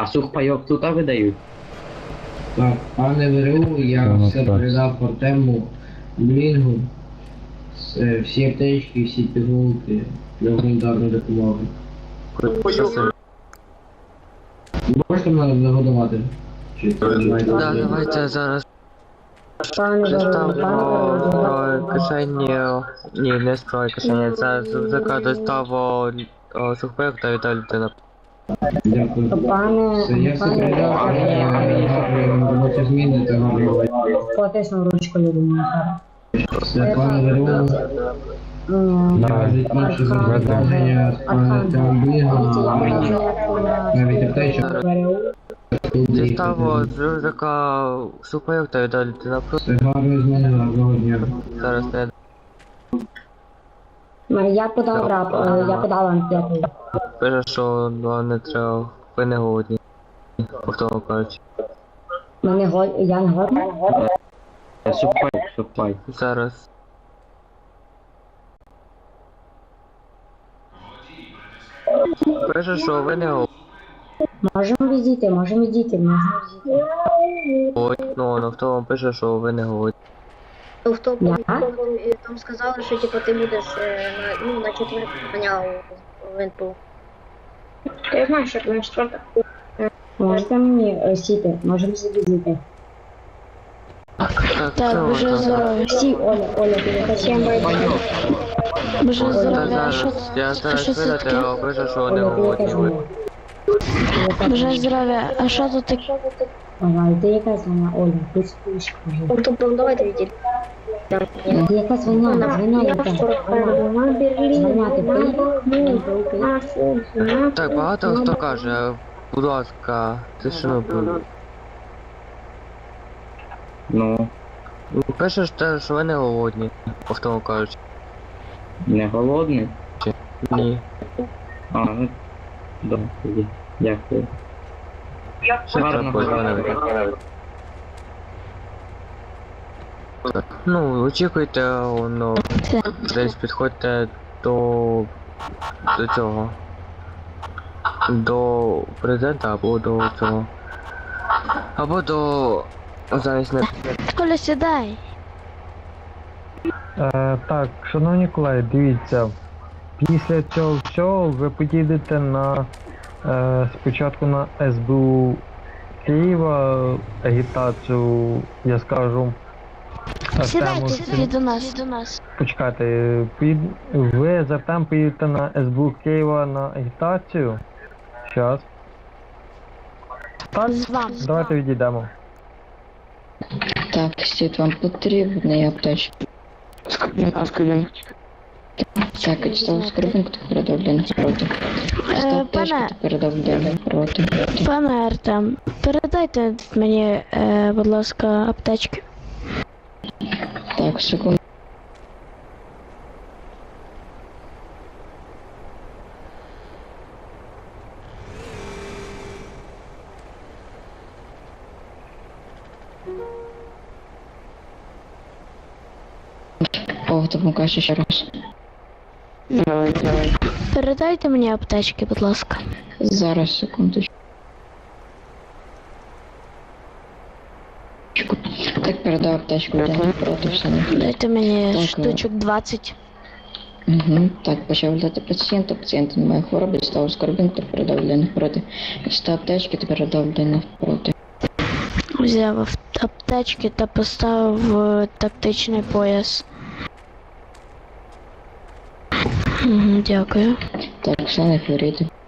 А сухпайок тут видають? Так, пане ВРУ, я все передав Артему Блінгу, всі аптечки, всі пігулки для гуманітарної допомоги. Можете мене загодувати? Чи це знаєте? Да, давайте зараз доставимо кишені, ні, не строй кишені, це з рюкзака доставимо сухпайок та Віталій людина. Дякую. Все, я все передав, гарної робочі зміни та гарної. Потисну ручку людині. Все, пане ВРУ, кажуть інше завдання з паном Артемом Блінгом, навіть аптечок. Доставимо з рюкзака сухпайок та Віталій людина. Все, гарної зміни, гарного дня. Зараз не Я подав рап, я подала анкету. пише, що не треба, ви не голодні. Повторно кажучи. Я не годна? Сухпайок. Зараз. Пише, що ви не Можемо відійти. голодні. Ну, на тому пише, що ви не голодні. В тому там сказали, що типу ти будеш на четверту ганяв в НПУ. Я знаю, що ти на четверту. Можете мені сіти, можемо відійти. Так, вже здоров'я. Всі, Оля, Боже Та здоров'я, а зараз, я що зараз це видати, таке? а пише, що не Оля, ти голодні. якась вона. Боже здоров'я, а що тут таке? Ага, ти якась вона, Оля, ти спиш, кажи. Тобто давайте відійти. Ти якась вона яка. Вона, ти приїхав? Так, багато хто каже, будь ласка, тишину будь. Ну, Пишеш те, що ви не голодні, повторно кажучи. не голодний? Ні. А, ну, добре, тоді. Дякую. Гарного дня. Ну, очікуйте, воно десь підходьте до цього. До президента або до цього. Або до... Зараз не... Коля, сідай. Так, шановні колеги, дивіться, після цього всього ви поїдете на спочатку на СБУ Києва агітацію, я скажу. Сідайте сюди до нас. Почекайте, ви з Артем поїдете на СБУ Києва на агітацію. Щас. Так, З вами. давайте відійдемо. Так, Сід, вам потрібний аптечки. Так, читав скрипинг, хто передав для них проти. Читав аптечки, хто передав для них проти. Пане Артем, передайте мені, будь ласка, аптечки. Так, секунду. О, то покажу ще раз. Передайте мені аптечки, будь ласка. Зараз, секундочку. Так, передав аптечку для них проти, все не. Дайте мені Так, штучок 20. Угу. Так, почав дати пацієнта немає хвороби, став скорбінг, то передав для них проти. Став аптечки, то передав для них проти. Взяв аптечки та поставив тактичний пояс. Дякую. Так, все не хворійте.